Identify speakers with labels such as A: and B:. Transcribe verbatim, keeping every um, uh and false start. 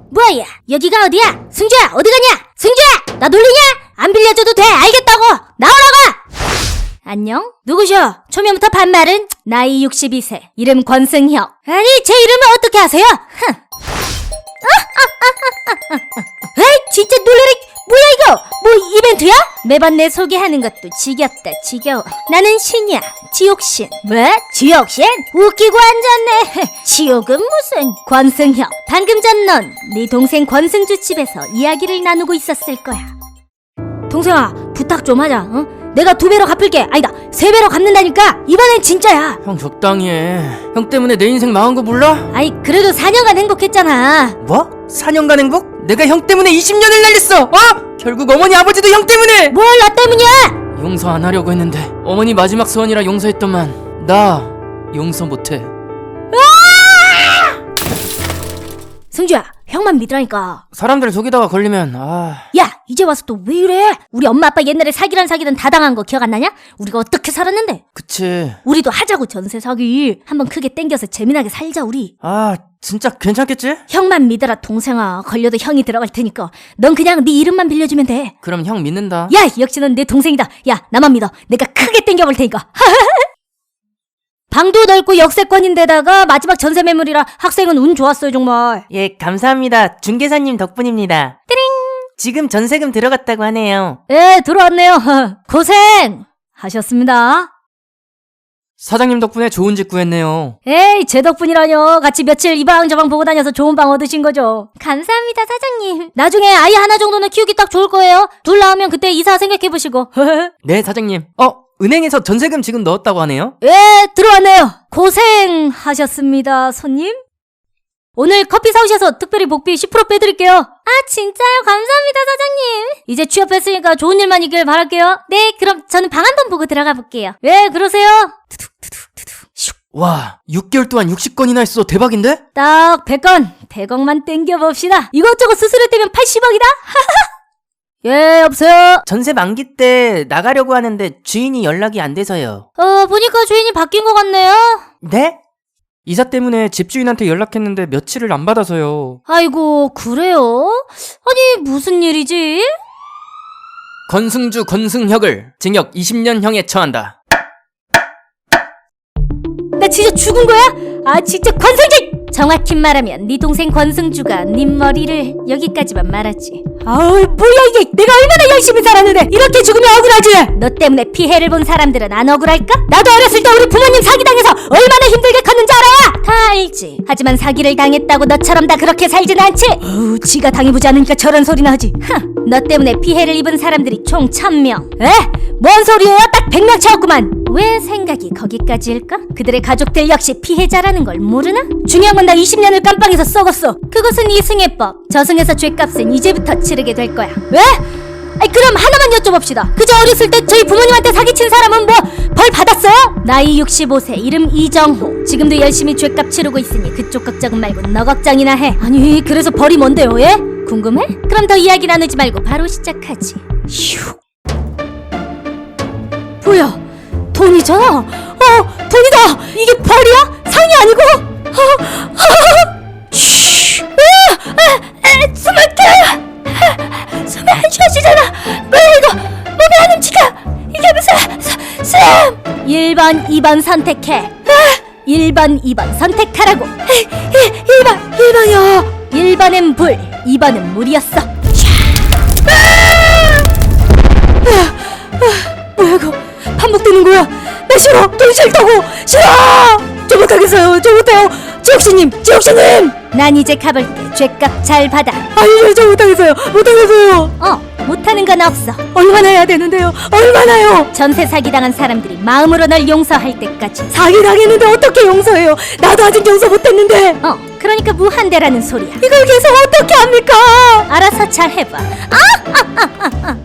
A: 뭐야? 여기가 어디야? 승주야, 어디 가냐? 승주야! 나 놀리냐? 안 빌려줘도 돼, 알겠다고! 나오라고! 안녕? 누구셔? 초면부터 반말은? 나이 육십이 세, 이름 권승혁. 아니, 제 이름을 어떻게 아세요? 흥. 에이, 진짜 놀래라. 뭐야 이거? 뭐 이벤트야? 매번 내 소개하는 것도 지겹다 지겨워. 나는 신이야, 지옥신. 뭐? 지옥신? 웃기고 앉았네. 지옥은 무슨? 권승혁, 방금 전 넌 네 동생 권승주 집에서 이야기를 나누고 있었을 거야. 동생아, 부탁 좀 하자. 어? 내가 두 배로 갚을게. 아니다, 세 배로 갚는다니까. 이번엔 진짜야.
B: 형 적당히 해. 형 때문에 내 인생 망한 거 몰라?
A: 아이, 그래도 사 년간 행복했잖아.
B: 뭐? 사 년간 행복? 내가 형 때문에 이십 년을 날렸어! 어? 결국 어머니 아버지도 형 때문에!
A: 뭘 나 때문이야?
B: 용서 안 하려고 했는데 어머니 마지막 소원이라 용서했더만 나 용서 못해.
A: 승주야, 형만 믿으라니까.
B: 사람들 속이다가 걸리면 아...
A: 야, 이제 와서 또 왜 이래? 우리 엄마 아빠 옛날에 사기란 사기든 다 당한 거 기억 안 나냐? 우리가 어떻게 살았는데?
B: 그치.
A: 우리도 하자고, 전세 사기. 한번 크게 땡겨서 재미나게 살자 우리.
B: 아 진짜 괜찮겠지?
A: 형만 믿어라 동생아. 걸려도 형이 들어갈 테니까 넌 그냥 네 이름만 빌려주면 돼.
B: 그럼 형 믿는다.
A: 야, 역시 넌 내 동생이다. 야, 나만 믿어. 내가 크게 땡겨볼 테니까. 방도 넓고 역세권인데다가 마지막 전세 매물이라 학생은 운 좋았어요 정말.
C: 예, 감사합니다. 중개사님 덕분입니다. 띠링! 지금 전세금 들어갔다고 하네요.
A: 예, 들어왔네요. 고생 하셨습니다.
B: 사장님 덕분에 좋은 집 구했네요.
A: 에이, 제 덕분이라뇨. 같이 며칠 이 방 저 방 보고 다녀서 좋은 방 얻으신 거죠. 감사합니다, 사장님. 나중에 아이 하나 정도는 키우기 딱 좋을 거예요. 둘 낳으면 그때 이사 생각해보시고.
B: 네 사장님. 어? 은행에서 전세금 지금 넣었다고 하네요?
A: 예, 들어왔네요. 고생하셨습니다, 손님. 오늘 커피 사오셔서 특별히 복비 십 퍼센트 빼드릴게요. 아, 진짜요? 감사합니다, 사장님. 이제 취업했으니까 좋은 일만 있길 바랄게요. 네, 그럼 저는 방 한 번 보고 들어가 볼게요. 예, 그러세요.
B: 와, 육 개월 동안 육십 건이나 했어. 대박인데?
A: 딱 백 건, 백억만 땡겨봅시다. 이것저것 수수료떼면 팔십억이다? 예, 여보세요?
C: 전세 만기 때 나가려고 하는데 주인이 연락이 안 돼서요.
A: 어, 보니까 주인이 바뀐 것 같네요.
C: 네?
B: 이사 때문에 집주인한테 연락했는데 며칠을 안 받아서요.
A: 아이고, 그래요? 아니, 무슨 일이지?
B: 권승주 권승혁을 징역 이십 년형에 처한다.
A: 나 진짜 죽은 거야? 아, 진짜 권승주! 정확히 말하면 네 동생 권승주가 네 머리를 여기까지만 말았지. 아우, 뭐야 이게. 내가 얼마나 열심히 살았는데 이렇게 죽으면 억울하지. 너 때문에 피해를 본 사람들은 안 억울할까? 나도 어렸을 때 우리 부모님 사기당해서 얼마나 힘들게 컸는지 알아? 다 알지. 하지만 사기를 당했다고 너처럼 다 그렇게 살진 않지. 어우, 지가 당해보지 않으니까 저런 소리나 하지. 흥, 너 때문에 피해를 입은 사람들이 총 천 명. 에? 뭔 소리예요? 딱 백 명 채웠구만. 왜 생각이 거기까지일까? 그들의 가족들 역시 피해자라는 걸 모르나? 중요한 건 나 이십 년을 깜빵에서 썩었어. 그것은 이승혜법. 저승에서 죄값은 이제부터 치르게 될 거야. 왜? 아니, 그럼 하나만 여쭤봅시다. 그저 어렸을 때 저희 부모님한테 사기친 사람은 뭐 벌 받았어요? 나이 육십오 세, 이름 이정호. 지금도 열심히 죄값 치르고 있으니 그쪽 걱정은 말고 너 걱정이나 해. 아니, 그래서 벌이 뭔데요, 예? 궁금해? 그럼 더 이야기 나누지 말고 바로 시작하지. 휴. 뭐야? 돈이잖아. 어, 돈이다. 이게 벌이야? 상이 아니고? 어, 어, 쉬. 아, 아, 아, 숨을 켜. 숨이 안 쉬어지잖아. 뭐야 이거? 몸이 안 움직여. 이게 무슨 수, 수염? 일 번, 이 번 선택해. 아, 일 번, 이 번 선택하라고. 일 번, 일 번이요. 일 번은 불, 이 번은 물이었어. 아! 아, 아, 뭐야 이거? 반복되는 거야. 나 싫어. 돈 싫다고. 싫어. 저 못하겠어요. 저 못해요. 지옥씨님, 지옥씨님. 난 이제 가볼게. 죄값 잘 받아. 아니, 저 못하겠어요. 못하겠어요. 어, 못하는 건 없어. 얼마나 해야 되는데요? 얼마나요? 전세 사기당한 사람들이 마음으로 널 용서할 때까지. 사기당했는데 어떻게 용서해요? 나도 아직 용서 못했는데. 어, 그러니까 무한대라는 소리야. 이걸 계속 어떻게 합니까? 알아서 잘 해봐. 아, 아, 아, 아, 아.